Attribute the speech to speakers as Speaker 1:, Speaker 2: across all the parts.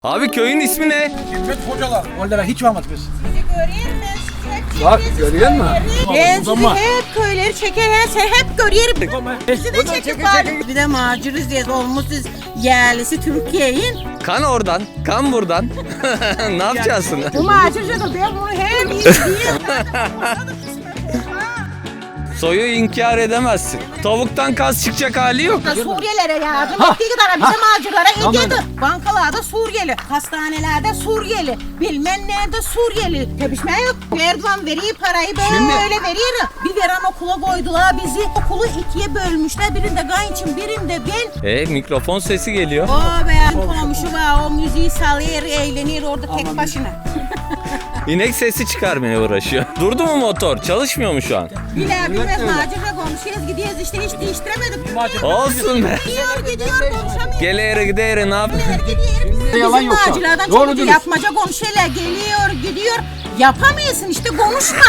Speaker 1: Abi köyün ismi ne?
Speaker 2: Himmet Hocalar. Oralara hiç varmadık biz.
Speaker 3: Sizi göreyim ben sizi hep
Speaker 2: Bak, görüyor musun?
Speaker 3: Ben sizi
Speaker 2: Uzanma.
Speaker 3: hep köyleri çeker, sen hep görüyorum. Bizi de çekip bari. Bir de macırız diye olmuşuz yerlisi Türkiye'nin.
Speaker 1: Kan oradan, kan buradan. Ne yapacaksın?
Speaker 3: Bu macırca da ben bunu hep izleyeyim.
Speaker 1: Soyu inkar edemezsin. Tavuktan kas çıkacak hali yok.
Speaker 3: Suriyelilere yardım ettiği kadar bize macırlara ilgili. Bankalarda Suriyeli, hastanelerde Suriyeli, bilmem nerede Suriyeli. Tepişme yok. Erdoğan veriyor parayı böyle veriyor. Bir veren okula koydular bizi. Okulu ikiye bölmüşler. Birinde kayınçım, birinde ben.
Speaker 1: Mikrofon sesi geliyor.
Speaker 3: O benim komşu var. O müziği salıyor, eğleniyor orada tek başına.
Speaker 1: İnek sesi çıkarmaya uğraşıyor. Durdu mu motor? Çalışmıyor mu şu an?
Speaker 3: Bilmez macirle komşuyuz gidiyoruz işte hiç değiştiremedik.
Speaker 1: Olsun be.
Speaker 3: Gidiyor konuşamıyor.
Speaker 1: Gele gidere ne yap?
Speaker 2: Yalan
Speaker 3: Bizim
Speaker 2: yok şu an.
Speaker 3: macirlerden
Speaker 2: Doğru
Speaker 3: çok
Speaker 2: dürüst.
Speaker 3: yapmaca komşuyla gidiyor. Yapamıyorsun işte konuşma.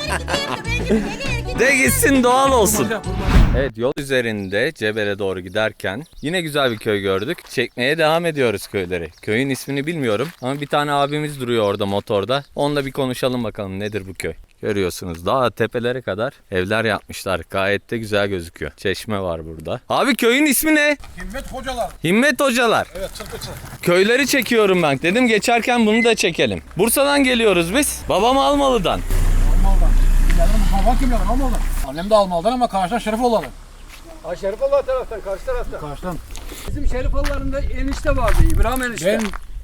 Speaker 1: De gitsin doğal olsun. Evet, yol üzerinde Cebel'e doğru giderken yine güzel bir köy gördük. Çekmeye devam ediyoruz köyleri. Köyün ismini bilmiyorum ama bir tane abimiz duruyor orada motorda. Onunla bir konuşalım bakalım nedir bu köy. Görüyorsunuz daha tepelere kadar evler yapmışlar. Gayet de güzel gözüküyor. Çeşme var burada. Abi köyün ismi ne?
Speaker 2: Himmet Hocalar.
Speaker 1: Himmet Hocalar.
Speaker 2: Evet, Çırpıcı.
Speaker 1: Köyleri çekiyorum ben. Dedim geçerken bunu da çekelim. Bursa'dan geliyoruz biz. Babam Almalı'dan.
Speaker 2: Almalı'dan. Babam kim yani Almalı'dan? Annem de Almalı'dan ama karşıdan Şerifoğlu'dan.
Speaker 4: Ha Şerifoğlu taraftan, karşı taraftan.
Speaker 2: Karşıdan.
Speaker 4: Bizim Şerifoğlu'ların da enişte vardı, İbrahim enişte.
Speaker 2: Ben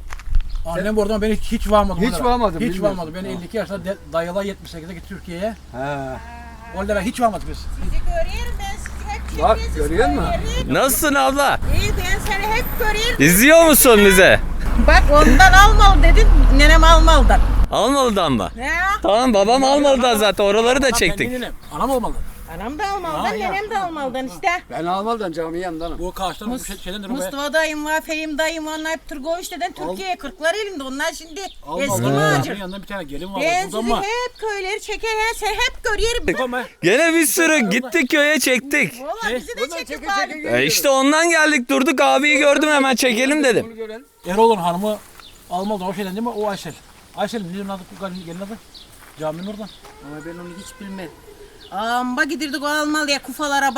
Speaker 2: annem oradan beni hiç varmadı.
Speaker 4: Hiç varmadı,
Speaker 2: Hiç
Speaker 4: bilmiyorum.
Speaker 2: varmadı. Ben 52 yaşında dayıla 78'e gitti Türkiye'ye.
Speaker 4: He.
Speaker 2: Oralara hiç varmadık biz.
Speaker 3: Sizi görüyorum ben sizi hep
Speaker 4: Bak,
Speaker 3: çekiyorsunuz
Speaker 4: görüyor musun?
Speaker 3: köyleri.
Speaker 1: Nasılsın abla?
Speaker 3: İyi ben seni hep görüyorum.
Speaker 1: İzliyor musun bize?
Speaker 3: Bak ondan almalı dedin, nenem Almalı'dan.
Speaker 1: Almalı'dan mı?
Speaker 3: Ne?
Speaker 1: Tamam, babam Almalı'dan zaten, oraları da çektik.
Speaker 2: Anam olmalı.
Speaker 3: Anam da Almalı'dan, nenem de Almalı'dan işte.
Speaker 4: Ben Almalı'dan cami yandanım.
Speaker 2: Bu karşıdan bu şeyden de
Speaker 3: Mustafa dayım var, Fehim dayım var, onlar hep Turgoviç'ten Türkiye'ye 40'lar elinde. Onlar şimdi eski
Speaker 2: Almalı'dan.
Speaker 3: macir.
Speaker 2: Yanında bir tane gelin var.
Speaker 3: Ben
Speaker 2: Buradan
Speaker 3: sizi
Speaker 2: mı?
Speaker 3: hep köyleri çeker, sen hep görüyorum.
Speaker 1: Gene bir sürü gittik köye çektik.
Speaker 3: Valla bizi de
Speaker 4: Buradan
Speaker 3: çekip
Speaker 4: çeke
Speaker 3: bari.
Speaker 4: çeke
Speaker 1: İşte ondan geldik, durduk, abiyi gördüm hemen çekelim dedim.
Speaker 4: Bunu görelim.
Speaker 2: Erol'un hanımı Almalı'dan o şeyden değil mi? O Aysel. Aysel'in bizim adı gelin adı. Caminin oradan.
Speaker 3: Ama ben onu hiç bilmem. Amba gidirdik o Almalı'ya kufalara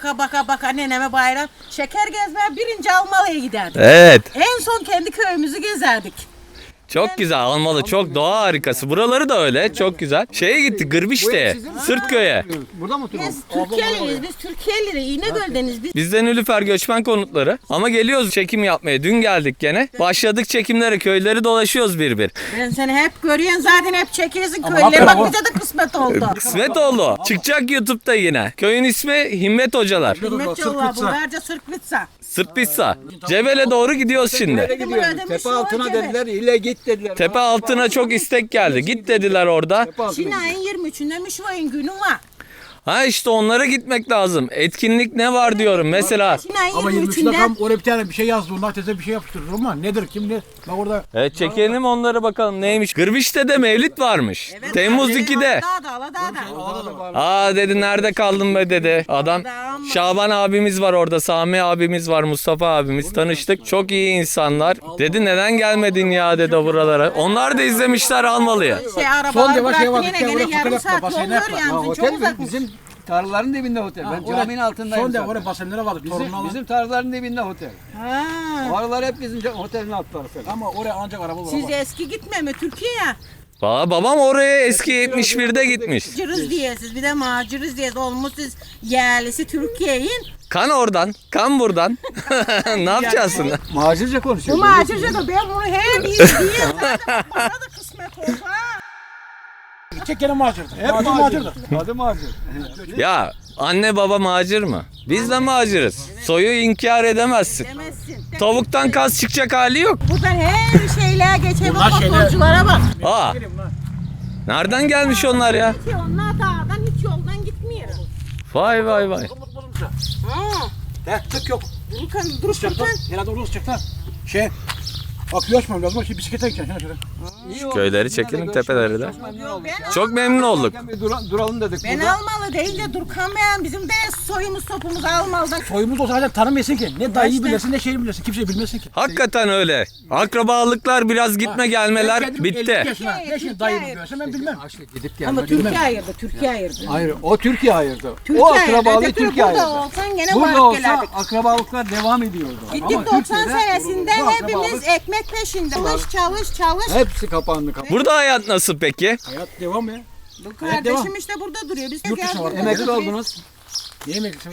Speaker 3: baka neneme bayram. Şeker gezmeye birinci Almalı'ya giderdik.
Speaker 1: Evet,
Speaker 3: En son kendi köyümüzü gezerdik.
Speaker 1: çok güzel Almalı, çok doğa harikası. Buraları da öyle, çok güzel. Şeye gittik, Gırbişte'ye, Sırtköy'e.
Speaker 4: Burada mı oturuyorsun?
Speaker 3: Biz Türkiye'liyiz, biz Türkiye'liyiz, İnegöl'deniz biz.
Speaker 1: Bizden Nilüfer göçmen konutları. Ama geliyoruz çekim yapmaya. Dün geldik gene. Başladık çekimlere, köyleri dolaşıyoruz bir bir.
Speaker 3: Ben seni hep görüyorsun zaten hep çekiyorsun
Speaker 2: Ama
Speaker 3: köyleri.
Speaker 2: hakikaten
Speaker 3: Bak bize de kısmet oldu.
Speaker 1: Kısmet oldu. Çıkacak YouTube'da yine. Köyün ismi Himmet Hocalar.
Speaker 3: Himmet yolla Bulgarca Sırpitsa.
Speaker 1: Sırpissa. Cebel'e doğru gidiyoruz
Speaker 4: Nereye
Speaker 1: şimdi.
Speaker 4: gidiyorsun?
Speaker 3: ödemiş
Speaker 4: Tepe altına
Speaker 3: o
Speaker 4: dediler, ile git dediler.
Speaker 1: Tepe altına çok istek geldi. Git dediler orada.
Speaker 4: Tepe altına
Speaker 3: Çin
Speaker 4: git.
Speaker 3: ayın 23'ünde Mişvay'ın günü var.
Speaker 1: Ha işte onlara gitmek lazım. Etkinlik ne var diyorum mesela.
Speaker 3: Çin ayın
Speaker 2: Ama 23'ünde
Speaker 3: 23'ünde.
Speaker 2: tam oraya bir tane bir şey yazdı. Onlar teze bir şey yapıştırdı ama nedir kim ne? Bak orada
Speaker 1: Evet, çekelim onları bakalım neymiş. Gırbiş'te de mevlid varmış. Temmuz 2'de.
Speaker 3: Aladağ'da.
Speaker 1: Aa dedi, nerede kaldın be dedi. Adam Şaban abimiz var orada, Sami abimiz var, Mustafa abimiz, tanıştık. Çok iyi insanlar. Dedi neden gelmedin ya dedi buralara. Onlar da izlemişler Almalı'ya.
Speaker 2: Son
Speaker 3: Arabalar
Speaker 2: yavaş
Speaker 3: bıraktı
Speaker 2: yavaş
Speaker 3: yine
Speaker 2: gel,
Speaker 3: gene
Speaker 2: oraya
Speaker 3: yarım
Speaker 2: fotoğraf
Speaker 3: saat
Speaker 2: basayım,
Speaker 3: yol var
Speaker 2: yapma.
Speaker 4: Ha,
Speaker 3: yani. Çok
Speaker 4: otel
Speaker 3: uzakmış.
Speaker 4: bizim tarlaların dibinde otel. Ben caminin altındayım
Speaker 2: Son de
Speaker 4: zaten.
Speaker 2: oraya basenlere vardı.
Speaker 4: Bizim tarlaların dibinde otel.
Speaker 3: Ha.
Speaker 4: Oralar hep bizim otelin alt tarafı.
Speaker 2: Ama oraya ancak araba var.
Speaker 3: Siz
Speaker 2: ama.
Speaker 3: eski gitme mi Türkiye'ye?
Speaker 1: Babam oraya eski 71'de gitmiş.
Speaker 3: Cırız diyesiz bir de macırız diyesiz olmuşuz yerlisi Türkiye'nin.
Speaker 1: Kan oradan, kan buradan. Ne yapacaksın?
Speaker 4: Macirce konuşuyor.
Speaker 3: Bu macırca da ben bunu hep izleyeyim. Bana da kısmet oldu ha.
Speaker 2: Çek gene macirdi.
Speaker 4: Hep
Speaker 2: Macir
Speaker 4: macir.
Speaker 2: macirdi.
Speaker 4: Adı macir.
Speaker 1: Ya anne baba macir mı? Biz de maciriz. Soyu inkar edemezsin.
Speaker 3: Demezsin.
Speaker 1: Tavuktan kas çıkacak hali yok.
Speaker 3: Buradan her şeyler geçer
Speaker 2: Bunlar
Speaker 3: bak
Speaker 2: şeyler-
Speaker 3: motorculara bak.
Speaker 1: Aa, nereden gelmiş onlar ya?
Speaker 3: Ki onlar dağdan hiç yoldan gitmiyor.
Speaker 1: Vay vay vay.
Speaker 3: Ha.
Speaker 2: Tık yok.
Speaker 3: Dururken
Speaker 2: Çıktı.
Speaker 3: dururken.
Speaker 2: Herhalde orası çıktı. Şey. Akıyor açmam lazım. Şimdi bisiklete gideceksin. Şöyle.
Speaker 4: İyi oldu.
Speaker 1: Köyleri
Speaker 4: Sizinle
Speaker 1: çekelim,
Speaker 4: görüşmek
Speaker 1: tepeleri
Speaker 4: üzere.
Speaker 1: de.
Speaker 4: Çok memnun olduk.
Speaker 1: Çok memnun olduk.
Speaker 4: Bir duralım dedik
Speaker 3: Ben
Speaker 4: burada.
Speaker 3: almalı deyince Durkan Bey'in bizim de soyumuz sopumuz almalıdan.
Speaker 2: Soyumuz olsa zaten tanımıyorsun ki. Ne dayıyı bilirsin ne şeyi bilirsin. Kimseyi bilmesin ki.
Speaker 1: Hakikaten öyle. Akrabalıklar biraz gitme gelmeler
Speaker 2: Ben kendim 50
Speaker 1: bitti.
Speaker 2: yaşına, ne şimdi dayımı görsem ben bilmem.
Speaker 4: Gidip
Speaker 3: Ama
Speaker 4: gelmek.
Speaker 3: Türkiye ayırdı, Türkiye ayırdı.
Speaker 4: Hayır, o Türkiye ayırdı.
Speaker 3: Türkiye
Speaker 4: O
Speaker 3: ayırdı.
Speaker 4: akrabalığı
Speaker 3: Öteki
Speaker 4: Türkiye
Speaker 3: burada
Speaker 4: ayırdı.
Speaker 3: olsan gene
Speaker 4: Burada
Speaker 3: varıp
Speaker 4: olsa
Speaker 3: gelerdik.
Speaker 4: akrabalıklar devam ediyordu.
Speaker 3: Gittik
Speaker 4: Ama
Speaker 3: 90
Speaker 4: Türkiye'de
Speaker 3: senesinde
Speaker 4: bu
Speaker 3: hepimiz
Speaker 4: akrabalık-
Speaker 3: ekmek peşinde. Çalış.
Speaker 4: Hepsi kapandı.
Speaker 1: Burada hayat nasıl peki?
Speaker 2: Hayat devam ya.
Speaker 3: Bu
Speaker 2: Evet, devam.
Speaker 3: kardeşim işte burada duruyor. Biz de
Speaker 2: Yurt dışına var.
Speaker 3: burada
Speaker 4: Emekli
Speaker 3: duruyoruz.
Speaker 4: oldunuz.
Speaker 2: Ne emekli?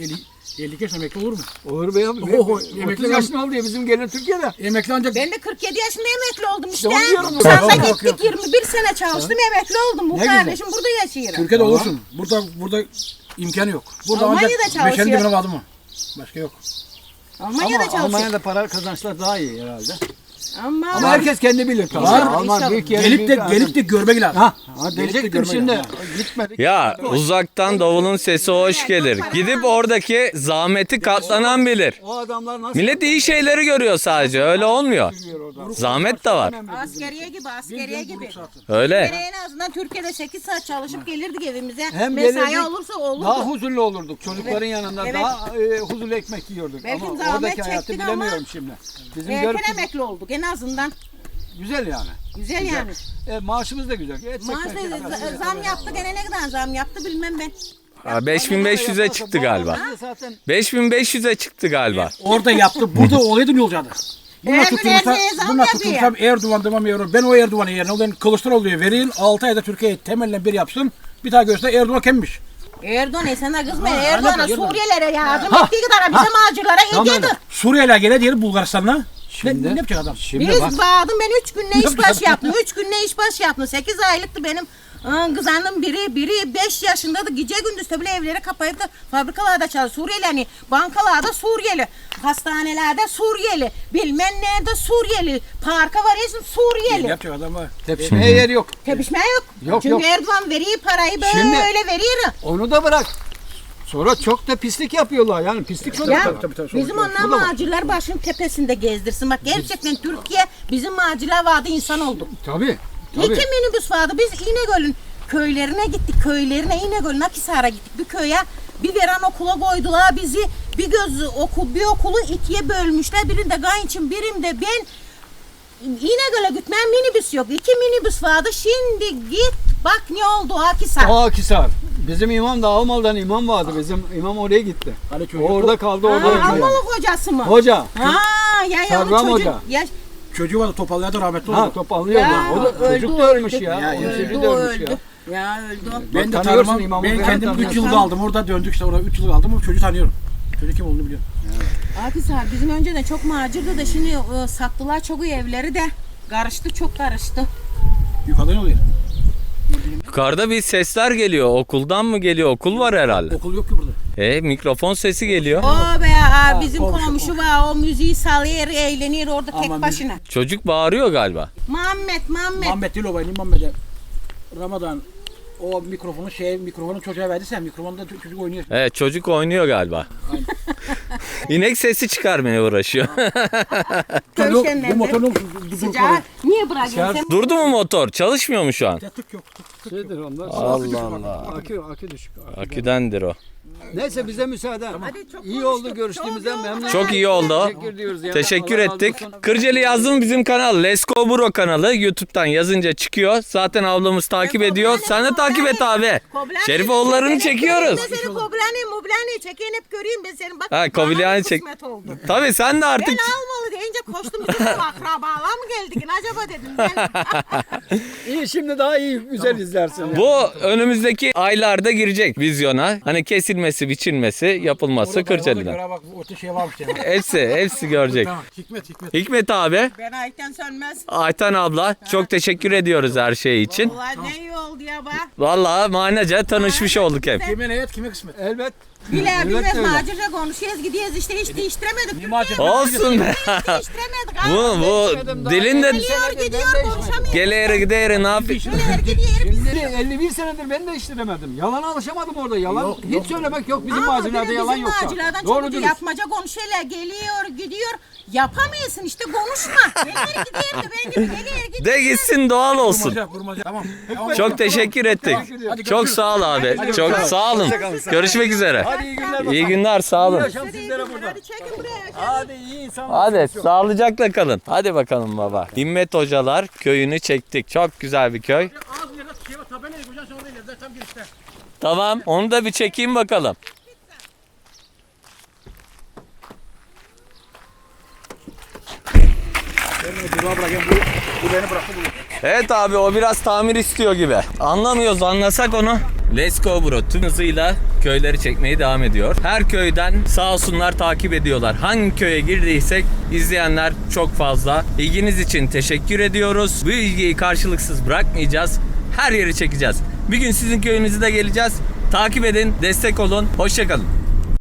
Speaker 2: 50 yaşında emekli olur mu?
Speaker 4: Olur be abi.
Speaker 2: Oho,
Speaker 4: 30
Speaker 2: emekli
Speaker 4: yaşında oldu ya bizim gelin Türkiye'de.
Speaker 2: Emekli ancak
Speaker 3: Ben de 47 yaşında emekli oldum işte.
Speaker 4: onu diyorum.
Speaker 3: Sansa
Speaker 2: Yok, yok,
Speaker 3: gittik 21 sene çalıştım emekli oldum. Bu
Speaker 4: Ne güzel.
Speaker 3: kardeşim burada yaşıyor.
Speaker 2: Türkiye'de olursun. Burada imkanı yok. Burada
Speaker 3: Almanya'da
Speaker 2: ancak
Speaker 3: çalışıyor.
Speaker 2: 5 bin adım mı? Başka yok.
Speaker 3: Almanya'da
Speaker 4: Ama
Speaker 3: çalışıyor.
Speaker 4: Almanya'da para kazançlar daha iyi herhalde.
Speaker 3: Ama
Speaker 4: Ama herkes kendi bilir tabii.
Speaker 2: Var.
Speaker 4: Alman büyük yeri.
Speaker 2: Gelip de görmek lazım.
Speaker 4: Ha,
Speaker 2: Gelip de
Speaker 4: diyecektim
Speaker 2: görmek
Speaker 4: şimdi.
Speaker 2: lazım.
Speaker 4: Gitmedik.
Speaker 1: Ya uzaktan davulun sesi hoş gelir. Gidip oradaki zahmeti katlanan bilir.
Speaker 4: O adamlar nasıl
Speaker 1: Millet iyi şeyleri görüyor sadece. Öyle olmuyor.
Speaker 4: biliyor orada?
Speaker 1: Zahmet de var.
Speaker 3: askeriye gibi.
Speaker 1: Öyle.
Speaker 3: En azından Türkiye'de 8 saat çalışıp gelirdik evimize.
Speaker 4: Hem
Speaker 3: Mesai
Speaker 4: gelirdik,
Speaker 3: olursa olurdu.
Speaker 4: Daha huzurlu olurduk. Çocukların yanında
Speaker 3: Evet.
Speaker 4: daha huzurlu ekmek yiyorduk.
Speaker 3: Belki
Speaker 4: Ama
Speaker 3: zahmet
Speaker 4: oradaki hayatı
Speaker 3: çektik
Speaker 4: bilemiyorum
Speaker 3: ama
Speaker 4: şimdi. Bizim
Speaker 3: Erken
Speaker 4: görüp
Speaker 3: emekli olduk en azından.
Speaker 4: güzel yani.
Speaker 3: Güzel yani.
Speaker 4: Maaşımız da güzel.
Speaker 3: Maaşta zam yaptı gene ne kadar zam yaptı bilmem ben.
Speaker 1: 5500'e çıktı galiba.
Speaker 4: Zaten
Speaker 1: 5500'e çıktı galiba.
Speaker 2: Orada yaptı. Burada olaydı ne olacaktı? Bunlar
Speaker 3: Her gün
Speaker 2: tutulursa,
Speaker 3: her şeye zam
Speaker 2: bunlar
Speaker 3: yapıyor.
Speaker 2: tutulursam Erdoğan devam ediyor. Ben o Erdoğan'ın yerine olan Kılıçdaroğlu'ya vereyim. 6 ayda Türkiye'yi temelden bir yapsın. Bir daha göster Erdoğan kimmiş?
Speaker 3: Erdoğan sana kızma.
Speaker 2: Ha,
Speaker 3: Erdoğan'a
Speaker 2: anladım,
Speaker 3: Suriyelilere yardım ettiği kadar bize macirlara
Speaker 4: Tamam.
Speaker 3: ediyordu.
Speaker 2: Suriyeliler gele diyelim Bulgaristan'la.
Speaker 4: Şimdi-
Speaker 2: Ne yapacak adam?
Speaker 4: şimdi
Speaker 3: Biz
Speaker 4: bak.
Speaker 3: bağladım ben 3 günde iş baş yaptım. 3 günde iş baş yaptım. 8 aylıktı benim kızanım biri 5 yaşındaydı. Gece gündüz tabii evlere kapayıp da fabrikalarda çalışıyor. Suriyeli hani bankalarda Suriyeli, hastanelerde Suriyeli, bilmem nerede Suriyeli, parka varıyorsun
Speaker 2: Ne
Speaker 3: Suriyeli.
Speaker 2: yapacak adam var?
Speaker 4: Tepişmeye yer yok.
Speaker 3: Tepişme yok.
Speaker 4: Yok,
Speaker 3: Çünkü
Speaker 4: yok.
Speaker 3: Erdoğan veriyor parayı böyle
Speaker 4: Şimdi-
Speaker 3: veriyor.
Speaker 4: Onu da bırak. Sonra çok da pislik yapıyorlar. Yani pislik çok
Speaker 3: Ya
Speaker 2: tabii, tabii,
Speaker 3: bizim onlar
Speaker 4: Bu da var.
Speaker 3: macirler başının tepesinde gezdirsin. Bak gerçekten Türkiye bizim macirler vardı insan olduk.
Speaker 4: Tabii.
Speaker 3: İki minibüs vardı. Biz İnegöl'ün köylerine gittik. Köylerine İnegöl'ün Akhisar'a gittik. Bir köye bir veren okula koydular bizi. Bir okulu ikiye bölmüşler. Birinde Gayinç'in birinde ben. İnegöl'e gitmeyen minibüs yok. 2 minibüs vardı. Şimdi git bak ne oldu Akhisar.
Speaker 4: Akhisar. Bizim imam da Almalı'dan imam vardı. Bizim imam oraya gitti.
Speaker 2: Hani çocuk,
Speaker 4: O orada kaldı orada. öldü yani.
Speaker 3: Almalı hocası mı?
Speaker 4: Hoca.
Speaker 3: Ya
Speaker 4: Sarvam
Speaker 3: onu çocuk.
Speaker 4: Hoca.
Speaker 3: Ya,
Speaker 2: çocuğu vardı topallarda rahmetli oldu.
Speaker 4: Ha topallıyor
Speaker 3: Ya,
Speaker 4: da. O da
Speaker 3: öldü,
Speaker 4: çocuk da ölmüş
Speaker 3: öldü.
Speaker 4: ya.
Speaker 2: Ya,
Speaker 4: Onun
Speaker 2: öldü,
Speaker 4: çocuğu da ölmüş
Speaker 3: öldü.
Speaker 4: ya.
Speaker 3: Ya öldü.
Speaker 2: Ben de
Speaker 4: Tanıyorsun
Speaker 2: tanımam.
Speaker 4: imamı,
Speaker 2: Ben
Speaker 4: ben
Speaker 2: kendim 3
Speaker 4: tanıyorum.
Speaker 2: yıl kaldım. Orada döndük işte. Orada 3 yıl kaldım. O çocuğu tanıyorum. Çocuk kim olduğunu biliyorum.
Speaker 3: Akhisar bizim önceden çok macirdi da şimdi sattılar çok iyi evleri de. Karıştı çok karıştı.
Speaker 2: Yukarıda ne oluyor?
Speaker 1: Yukarıda bir sesler geliyor. Okuldan mı geliyor? Okul var herhalde.
Speaker 2: Okul yok ki burada.
Speaker 1: Mikrofon sesi geliyor.
Speaker 3: O be bizim komşu var o müziği salıyor eğleniyor orada tek
Speaker 2: Aman
Speaker 3: başına.
Speaker 1: Çocuk bağırıyor galiba.
Speaker 3: Muhammed.
Speaker 2: Muhammed değil o benim Muhammed'e. Ramazan o mikrofonu çocuğa verdiysen mikrofonda çocuk oynuyor.
Speaker 1: Evet çocuk oynuyor galiba. İnek sesi çıkarmaya uğraşıyor.
Speaker 3: Köşenden
Speaker 2: Bu motor ne oldu?
Speaker 3: Sıcağı niye bırakıyorsun sen?
Speaker 1: Durdu mu motor? Çalışmıyor mu şu an?
Speaker 2: Tık yok.
Speaker 4: Şeydir onlar.
Speaker 1: Allah Allah.
Speaker 4: Akü düşük.
Speaker 1: Aküdendir o.
Speaker 4: Neyse bize müsaade.
Speaker 3: Hadi, çok
Speaker 4: İyi
Speaker 3: konuştuk.
Speaker 4: oldu görüştüğümüzden memnun.
Speaker 1: Çok iyi oldu.
Speaker 4: Teşekkür ediyoruz. ya.
Speaker 1: Teşekkür
Speaker 4: Allah razı
Speaker 1: ettik.
Speaker 4: olsun.
Speaker 1: Kırcalı yazdım bizim kanal. Let's Go Bro kanalı. YouTube'dan yazınca çıkıyor. Zaten ablamız takip ediyor. Sen de takip et abi. Şerifoğullarını çekiyoruz.
Speaker 3: Ben seni Koblani çekeyim hep göreyim ben seni. Bak,
Speaker 1: Ha, Koblani
Speaker 3: bana
Speaker 1: çek-
Speaker 3: kısmet oldu.
Speaker 1: Tabii sen de artık
Speaker 3: Ben almalı deyince koştum bizim akrabalar mı geldik acaba dedim ben.
Speaker 4: İyi şimdi daha iyi güzel izlersin.
Speaker 1: bu önümüzdeki aylarda girecek vizyona. Hani kesilmesi, biçilmesi, yapılması Kırcalı'dan.
Speaker 2: Bak orta şey varmış yani.
Speaker 1: Hepsi görecek.
Speaker 2: Tamam. Hikmet.
Speaker 1: Hikmet abi,
Speaker 3: Ben Ayten Sönmez.
Speaker 1: Ayten abla çok teşekkür ediyoruz her şey için.
Speaker 3: Ulan ne iyi oldu ya bak.
Speaker 1: Vallahi manaca tanışmış olduk hep.
Speaker 2: Kime ne et kime kısmet.
Speaker 4: Elbet.
Speaker 3: Bile bilmez
Speaker 4: öyle.
Speaker 3: macera konuşuyoruz gidiyoruz işte hiç değiştiremedik.
Speaker 2: macera?
Speaker 1: Olsun be.
Speaker 3: Hiç değiştiremedik.
Speaker 1: Bu dilin de
Speaker 3: Geliyor gidiyor konuşamıyor.
Speaker 1: geleyeri gideyeri ne yapayım?
Speaker 3: Geliyor gidiyor.
Speaker 4: Şimdi 51 senedir ben de işletemedim. Yalana alışamadım orada. Yalan hiç söylemek yok. Bizim macerada yalan yok. Doğru dürüst.
Speaker 3: Yapmaca konuşuyorlar geliyor gidiyor. Yapamıyorsun işte konuşma. Geliyor gidiyor da ben gibi geliyor gidiyor.
Speaker 1: De gitsin doğal olsun.
Speaker 2: Kurmaca, kurmaca. Tamam. Tamam.
Speaker 1: Çok teşekkür ettik.
Speaker 2: Hadi
Speaker 1: Çok
Speaker 2: görüşürüz.
Speaker 1: sağ ol abi. Çok sağ olun. Görüşmek üzere.
Speaker 4: Hadi iyi günler.
Speaker 1: İyi günler sağ olun.
Speaker 4: Yaşam sizlere burada.
Speaker 3: Hadi çekin buraya.
Speaker 4: Hadi iyi insan.
Speaker 1: Hadi sağlıcakla kalın. Hadi bakalım baba. Himmet Hocalar köyünü çektik. Çok güzel bir köy.
Speaker 2: Az ileride şey var, tabelayı koyacaksın sonra ileride tam girişte.
Speaker 1: Tamam onu da bir çekeyim bakalım.
Speaker 2: Beni bırakayım bu beni bıraktı bu.
Speaker 1: Evet abi o biraz tamir istiyor gibi. Anlamıyoruz anlasak onu. Let's go bro tüm hızıyla köyleri çekmeye devam ediyor. Her köyden sağ olsunlar takip ediyorlar. Hangi köye girdiysek izleyenler çok fazla. İlginiz için teşekkür ediyoruz. Bu ilgiyi karşılıksız bırakmayacağız. Her yeri çekeceğiz. Bir gün sizin köyünüze de geleceğiz. Takip edin, destek olun. Hoşça kalın.